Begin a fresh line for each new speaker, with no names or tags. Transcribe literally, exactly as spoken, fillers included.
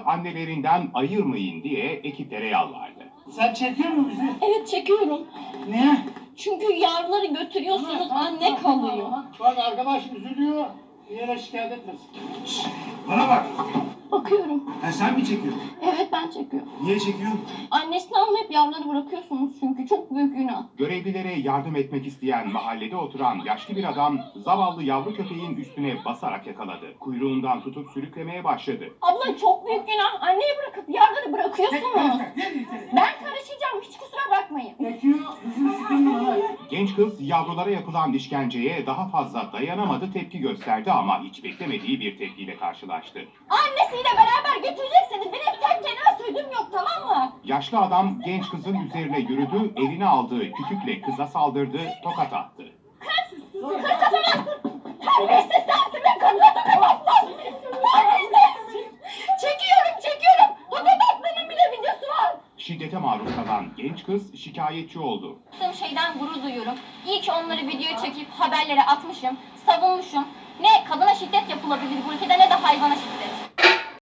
annelerinden ayırmayın diye ekiplere yalvardı.
Sen çekiyor musun bizi?
Evet çekiyorum.
Niye?
Çünkü yavruları götürüyorsunuz, anne kalıyor.
Bak arkadaş üzülüyor. Bir yere şikayet etmesin. Şşş, bana bak.
Bakıyorum.
Ha, sen mi çekiyorsun?
Evet ben çekiyorum.
Niye çekiyorsun?
Annesini almayıp yavruları bırakıyorsunuz çünkü çok büyük günah.
Görevlilere yardım etmek isteyen mahallede oturan yaşlı bir adam zavallı yavru köpeğin üstüne basarak yakaladı. Kuyruğundan tutup sürüklemeye başladı.
Abla çok büyük günah. Anneyi bırakıp yavruları bırakıyorsunuz. Ben karışacağım, hiç kusura bakmayın.
Çekiyor, yüzünü sıkıntı bana.
Genç kız yavrulara yapılan işkenceye daha fazla dayanamadı, tepki gösterdi ama hiç beklemediği bir tepkiyle karşılaştı.
Annesiyle beraber götüreceksiniz. Benim tek kelime sözüm yok, tamam mı?
Yaşlı adam genç kızın üzerine yürüdü, eline aldığı kütükle kıza saldırdı, tokat attı.
Kız kafana! Terbiyesiz sensin be kadın aptal! Terbiyesiz! Çekiyorum, çekiyorum! Tokat atmanın bile videosu var!
Şiddete maruz kalan genç kız şikayetçi oldu.
Yaptığım şeyden gurur duyuyorum. İyi ki onları videoya çekip haberlere atmışım, savunmuşum. Ne kadına şiddet yapılabilir bu ülkede ne de hayvana şiddet.